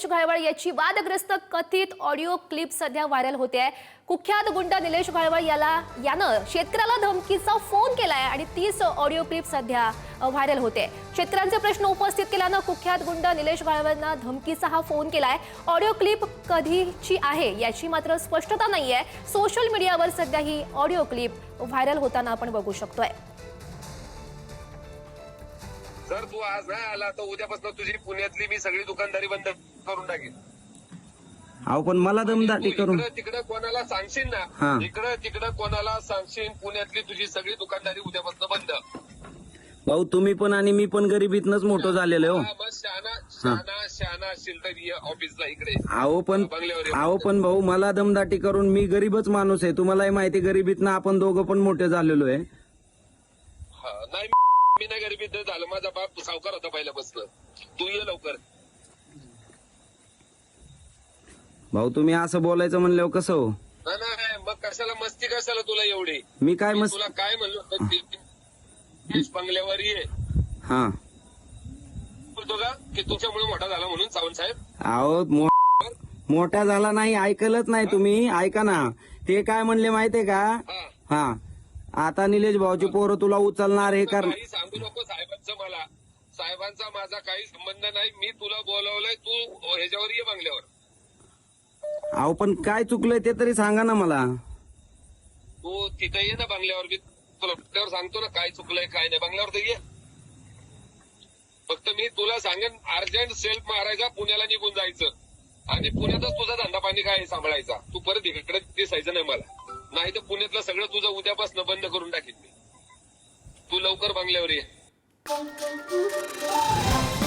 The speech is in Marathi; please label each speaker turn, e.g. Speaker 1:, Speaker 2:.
Speaker 1: निलेश घाळवळ याची वादग्रस्त कथित ऑडिओ क्लिप सध्या व्हायरल होते आहे। कुख्यात गुंड निलेश घाळवळ यानं शेतकऱ्याला धमकीचा फोन केलाय आणि तीच ऑडिओ क्लिप सध्या व्हायरल होते। शेतकऱ्यांचे प्रश्न उपस्थित केल्यानं कुख्यात गुंड निलेश घाळवळना धमकीचा हा फोन केलाय। ऑडिओ क्लिप कधीची आहे याची मात्र स्पष्टता नाहीये। सोशल मीडियावर सध्या ही ऑडिओ क्लिप व्हायरल होताना आपण बघू शकतोय।
Speaker 2: जर तू आज नाही आला तर उद्यापासून तुझी पुण्यातली मी सगळी दुकानदारी बंद करून टाकेन।
Speaker 3: अहो पण मला दमदाटी करून
Speaker 2: तिकडे कोणाला सांगशील ना, इकडे कोणाला सांगशील पुण्यातली तुझी सगळी दुकानदारी उद्यापासून बंद।
Speaker 3: भाऊ तुम्ही पण आणि मी पण गरिबीतनच मोठं झालेलो हो।
Speaker 2: बस शहाणा असशील तर ये ऑफिसला इकडे।
Speaker 3: अहो पण भाऊ मला दमदाटी करून मी गरीबच माणूस आहे, तुम्हालाही माहिती गरिबीतनं आपण दोघं पण मोठे झालेलो आहे।
Speaker 2: नाही मी नाही गरिबीत झालं, माझा बाप सावकार होता पहिल्यापासून। तू ये लवकर।
Speaker 3: भाऊ तुम्ही असं बोलायचं म्हणल्यावर कसं हो?
Speaker 2: नाही मग कशाला मस्ती, कशाला तुला एवढी?
Speaker 3: मी काय
Speaker 2: तुला काय म्हणलो बंगल्यावर ये।
Speaker 3: हा
Speaker 2: बोलतो का की तुमच्यामुळे मोठा झाला म्हणून सावंत साहेब?
Speaker 3: अहो मोठा झाला नाही, ऐकलंच नाही तुम्ही। ऐका ना, ते काय म्हणले माहितीये का? हा आता निलेश भाऊची पोरं तुला उचलणार हे कर।
Speaker 2: काही सांगू नको साहेबांचं, मला साहेबांचा माझा काही संबंध नाही। मी तुला बोलवलंय, तू ह्याच्यावर ये बंगल्यावर।
Speaker 3: अहो पण काय चुकलंय ते तरी सांगा ना मला।
Speaker 2: तू तिथे ये ना बंगल्यावर, मी तुला बंगल्यावर सांगतो ना काय चुकलंय काय नाही। बंगल्यावर तर ये, फक्त मी तुला सांगेन अर्जंट सेल्फ मारायचा, पुण्याला निघून जायचं आणि पुण्यातच तुझा धंदा पाणी काय सांभाळायचा। तू परत इकडे दिसायचं नाही मला, नाही तर पुण्यातलं सगळं तुझं उद्यापासून बंद करून टाकेन मी। तू लवकर बंगल्यावर ये।